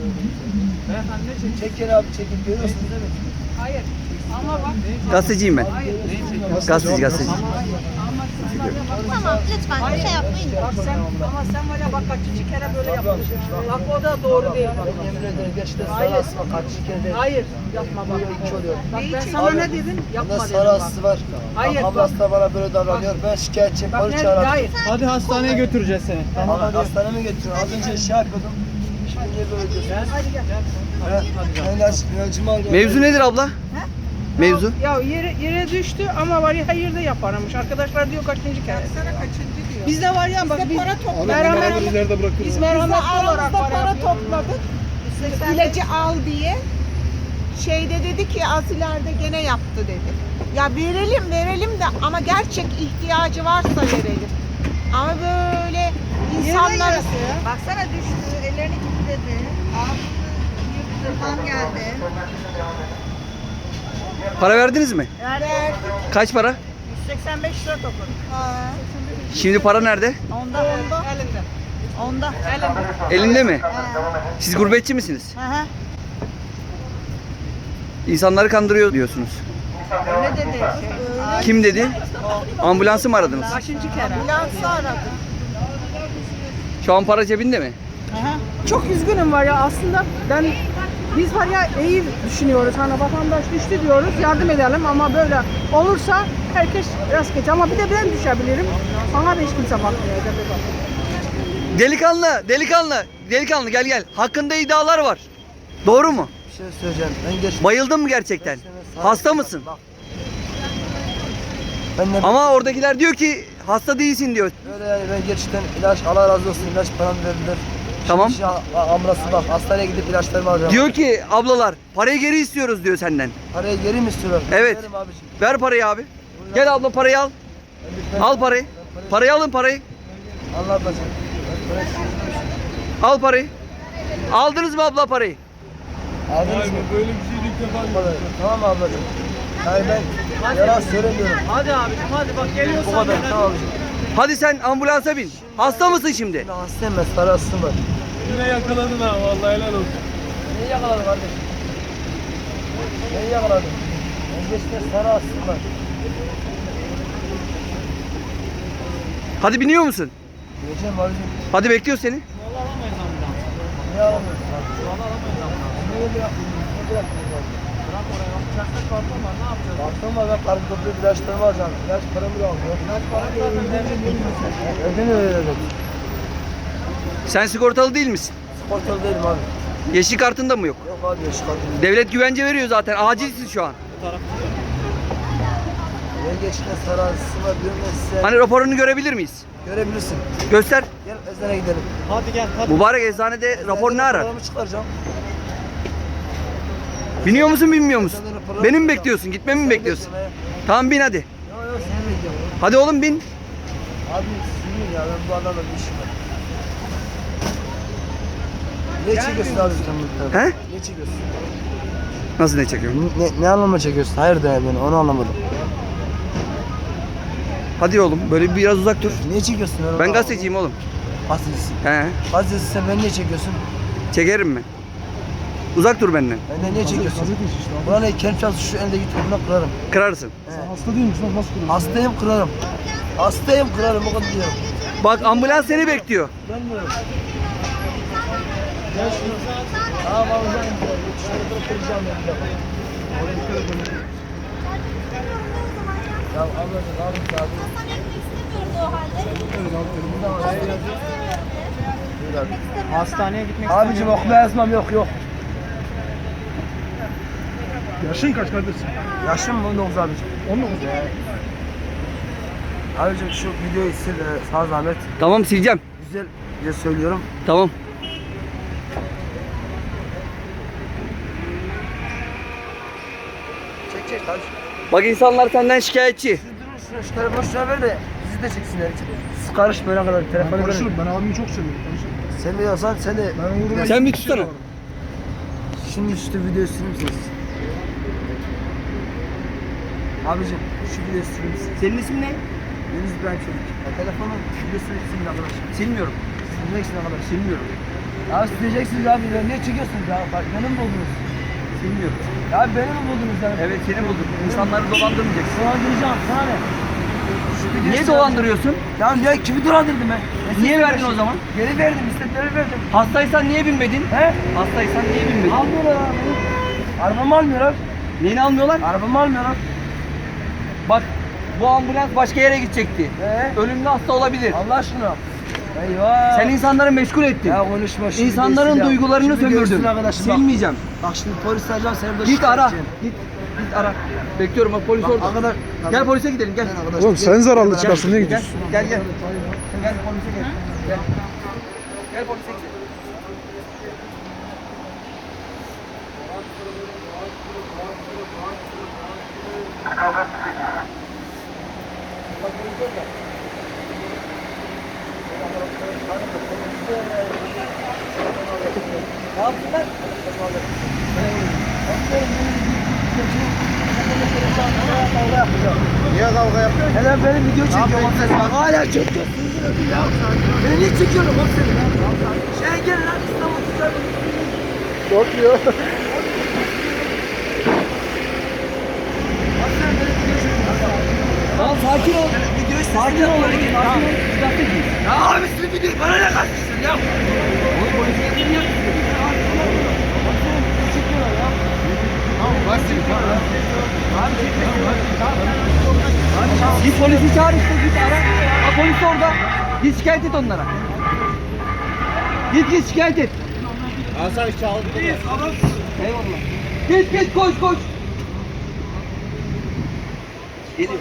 Çekin abi çekin. Görüyorsunuz değil mi? Hayır. Ama bak. Gazeteciyim ben. Gazeteci. Tamam lütfen şey yapmayın. Bak sen ama sen var ya bak kaçıncı kere böyle yapıyorsun. Bak o da doğru değil bak. Ben yemin ederim gerçekten Hayır. sarı asma kaç kere de Hayır yapma bak. hiç oluyor. Bak ben sana Abi, ne dedim? Yapma bunda dedim sarı bak. asısı var. Hayır, Ablası da bana böyle davranıyor. Ben şikayetçiyim. Bak Polis ne? çağırdım. Hayır. Hadi hastaneye götüreceğiz seni. Ama hastaneme getiriyor. Az önce şey yapıyordum. Şimdi niye böyle diyorsun? Hadi gel. Ben ilacımı alıyorum. Mevzu nedir abla? Mevzu? Ya yere düştü ama var ya hayır da yaparmış. Arkadaşlar diyor kaçıncı kere. Sana kaçıncı diyor. Biz de var ya bak biz biz merhametli olarak para topladık. İlacı al diye. Şeyde dedi ki az ileride gene yaptı dedi. Ya verelim de ama gerçek ihtiyacı varsa verelim. Ama böyle insanlar Baksana düştü, ellerini kilitledi. Ağzını yırttı, kan geldi. Para verdiniz mi? ver. Kaç para? 185 lira topladık. Şimdi para nerede? Onda. Elinde. Onda. Elinde. Elinde mi? Siz gurbetçi misiniz? Aha. İnsanları kandırıyor diyorsunuz. Ne dedi? Kim dedi? Ambulansı mı aradınız? Kaçıncı kere? Ambulansı aradı. Şu an para cebinde mi? Çok üzgünüm var ya aslında biz var ya iyi düşünüyoruz hani vatandaş düştü diyoruz yardım edelim ama böyle olursa herkes rast geçer ama bir de ben düşebilirim. Bana da hiç kimse bakmayacak. Delikanlı gel. Hakkında iddialar var. Doğru mu? Bir şey söyleyeceğim. Ben geç. Bayıldın mı gerçekten? Hasta mısın? Bak. Ben de Ama oradakiler diyor ki hasta değilsin diyor. böyle yani ben gerçekten ilaç Allah razı olsun ilaç param verdiler. Tamam. Şimdi amrası bak hastaneye gidip ilaçlarımı alacağım. Diyor ki ablalar parayı geri istiyoruz diyor senden. Parayı geri mi istiyorlar? Evet. Verim abiciğim. Ver parayı abi. Gel abla parayı al. Al parayı. Parayı alın parayı. Allah ablacığım. Al parayı. Aldınız mı abla parayı? Aldınız mı? Böyle bir şey ilk defa tamam mı ablacığım? Hayır ben yalan söylemiyorum. Hadi abicim hadi bak Bu geliyorsan kadar gel. tamam abicim. Hadi sen ambulansa bin. Hasta mısın şimdi? Şimdi hastayım ben sarı hastım var. Yine yakaladın ha vallahi helal olsun. Neyi yakaladın kardeşim? Neyi yakaladın? Ben gerçekten sarı hastım var. Hadi biniyor musun? Geleceğim abicim. Hadi bekliyor seni. Vallahi alamayız ambulans. Niye alamıyorsun abi? Vallahi alamayız ambulans. Ne öyle yapıyorsun? Ne bırakıyorsun abi? Bırak oraya bak. Uçakta karton var ne yapacağız? Baktım ben karnı toplayıp ilaçlarımı alacağım. İlaç paramı da almıyor. Biraz para zaten devlet bilmiyor. Neden öyle dedim? Sen sigortalı değil misin? Sportalı değilim abi. Yeşil kartında mı yok? Yok abi yaş kartım. Devlet güvence veriyor zaten. Acilsin şu an. Ben gerçekten sarı hastım var diyorum ben size. Hani raporunu görebilir miyiz? Görebilirsin. Göster. Gel eczane gidelim. Hadi gel hadi. Mübarek eczanede rapor ne arar? Paramı çıkaracağım. Biniyor musun binmiyor musun? Beni mi bekliyorsun? Gitmemi mi bekliyorsun? Tamam bin hadi. Yok yok seni bekliyorum. Hadi oğlum bin. Abi sinir ya ben bu adamla bir işim var. Ne çekiyorsun abi sen bu He? Ne çekiyorsun? Nasıl ne çekiyorum? Ne anlama çekiyorsun? Hayır de yani onu anlamadım. Hadi oğlum böyle biraz uzak dur. Niye çekiyorsun? Ben gazeteciyim oğlum. Gazetecisin. He. Gazetecisin sen beni niye çekiyorsun? Çekerim ben. Uzak dur benden. Benden niye çekiyorsun? Buranın kendi çalışı şu eldeki topuna kırarım. Kırarsın. Hasta değil misin? Nasıl kırarım? Hastayım kırarım. Hastayım kırarım o kadar diyorum. Bak ambulans seni bekliyor. Bilmiyorum. Gel şunu. Tamam alacağım. Şöyle durup kıracağım ben bir defa. Oraya dikkat edin. Ya ablacığım abi abi. Hastaneye gitmek Abicim okuma yazmam yok. Yaşın kaç kardeşim? Yaşım 19 abicim. 19. Abicim şu videoyu sil sağ zahmet. Tamam sileceğim. Güzel söylüyorum. Tamam. Çek abi. Bak insanlar senden şikayetçi. Siz durun şu telefonu şuna ver de sizi de çeksinler. Siz karış böyle kadar telefonu verin. Konuşurum. Ben abimi çok seviyorum. Konuşurum. Sen biliyorsan sen de Ben uğruna Sen bir hiçbir tutsana. şey var. şimdi şu videoyu silir misiniz? Abicim şu videoyu silir misiniz? Senin ismin ne? Deniz İbrahim Çelik. Ya telefonun videosunu silin arkadaşlar. Silmiyorum. Silmek için arkadaşlar. Silmiyorum. Ya siz diyeceksiniz abi ya niye çekiyorsunuz ya? Bak beni mi buldunuz? Bilmiyorum. Ya beni mi buldunuz yani? Evet seni bulduk. İnsanları dolandırmayacaksın. Dolandıracağım sana ne? Niye dolandırıyorsun? Ya niye kimi dolandırdım ben? Niye verdin o zaman? Geri verdim, istedileri verdim. Hastaysan niye binmedin? He? Hastaysan niye binmedin? Almıyorlar abi. Arabamı almıyorlar. Neyini almıyorlar? Arabamı almıyorlar. Bak bu ambulans başka yere gidecekti. Ölümlü hasta olabilir. Allah aşkına. Eyvah. Sen insanları meşgul ettin. Ya konuşma şimdi. İnsanların geçsin ya. duygularını Şimdi sömürdün. geçsin arkadaşım, bak. Silmeyeceğim. Bak şimdi polis arayacağım seni burada Git ara. edeceğim. Git ara. Bekliyorum bak polis orada. Arkadaş. Gel polise gidelim gel. Oğlum sen zararlı çıkarsın niye Gel gidiyorsun? gel gel. Gel polise gel. Gel. Gel polise gidelim. Ne yaptılar? Niye kavga yapıyorsun? Hele benim video çekiyorum sen. Bak hala çekiyorsun. Beni niye çekiyorsun oğlum seni? Şeye gel lan İstanbul tutar. Korkmuyor. Tamam sakin ol. Sakin ol. Sakin ol. Ya abi sizin videoyu bana ne kaçmışsın ya? Oğlum polise gidelim ya. Git polisi çağır işte git ara. Ha polis orada. Git şikayet et onlara. Git şikayet et. Hasan çaldı. Eyvallah. Git koş koş. Geliyor.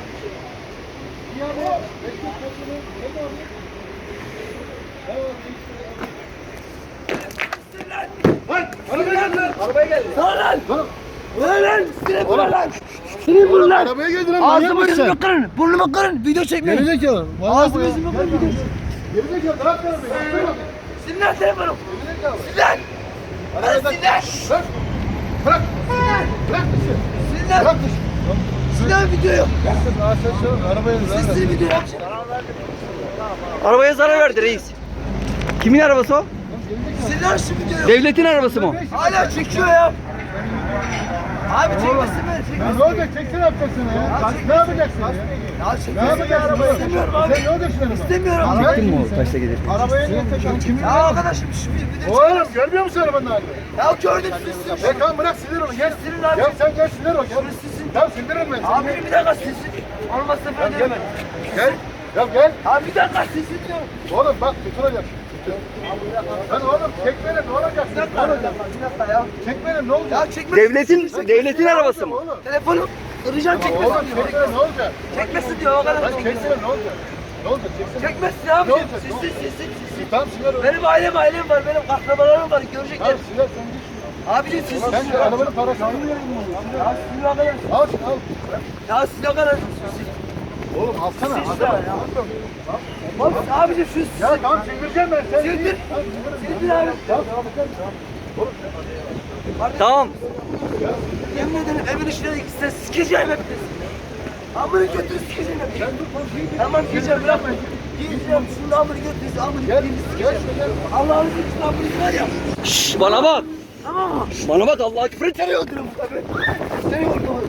Arabaya geldi. Sağ lan! Ulan lan! Seni bulun lan! Seni bulun lan! Arabaya geldin lan manyak Ağzımı mısın yüzümü sen? kırın! Burnumu kırın! Video çekmeyin! Gerizekalı. Ağzımı yüzümü kırın! Video Gerizekalı bırak arabayı. Sinan seni bulun! Sinan! Lan Sinan! Bırak. Bırak dışı. Sinan! Bırak dışı. Sinan video yok! Arabayı Siz video yapacağım! Arabaya zarar verdi reis. Kimin arabası o? Sinan şu video yok! Devletin arabası mı o? Hala çekiyor ya! Abi çekmesin beni! Çekmesin! Ne olacak? Çeksen yapacaksın ya. Ne yapacaksın ya? Ya Ne çekmesin yapacaksın arabayı! oğlum? İstemiyorum abi! Sen ne olacaksın araba? İstemiyorum! Çektin mi o taşla gelirken? Arabaya niye tekrar? Kimin? Ya arkadaşım şu video Oğlum görmüyor musun arabanın halini? Ya gördüm sizi! Ya tamam bırak sinir onu gel. Sinir abi. Gel sen gel sinir ol gel. Sizin- Ya sinir olma sen. Abi bir dakika sizin! Olmazsa böyle Gel. demem! Gel. Ya gel. Abi bir dakika sizin diyorum! Oğlum bak tutulacak. Sen oğlum çekmeyle ne olacak? Ne olacak? Bir dakika ya! Çekmeyle ne olacak? Ya çekmesin! Devletin arabası mı? Oğlum. Telefonu kıracağım Oğlum çekmesin diyor! çekmeyle ne olacak? Çekmesin diyor o kadar! Lan çekmeyle ne olacak? Ne olacak? Çeksene. Çekmesin abi! Ne olacak? Sizin! Tamam sinir ol. Benim ailem var, benim akrabalarım var, görecekler. Tamam sinir sen git. Abicim siz Sen şu arabanın parasını mı Ya siz o kadar, al şunu al. ya siz o kadar. Oğlum alsana. Siz alsana. ya. Bak abicim şu Ya tamam çektireceğim ben. Sen Sildir. git. Sildir abi. Tamam tamam tamam. Tamam. Yemin ederim evin içine gitsen sikeceğim hepiniz. Amını götür sikeceğim hepiniz. Tamam gideceğim bırakma. Gideceğim şunu amını götür, amını Gel. götür Gel sikeceğim. şuraya gel. Allah'ını için amını var ya. Şşş bana bak. Tamam mı? Bana bak Allah'a küfür et. Seni öldürürüm tabii. Seni öldürürüm.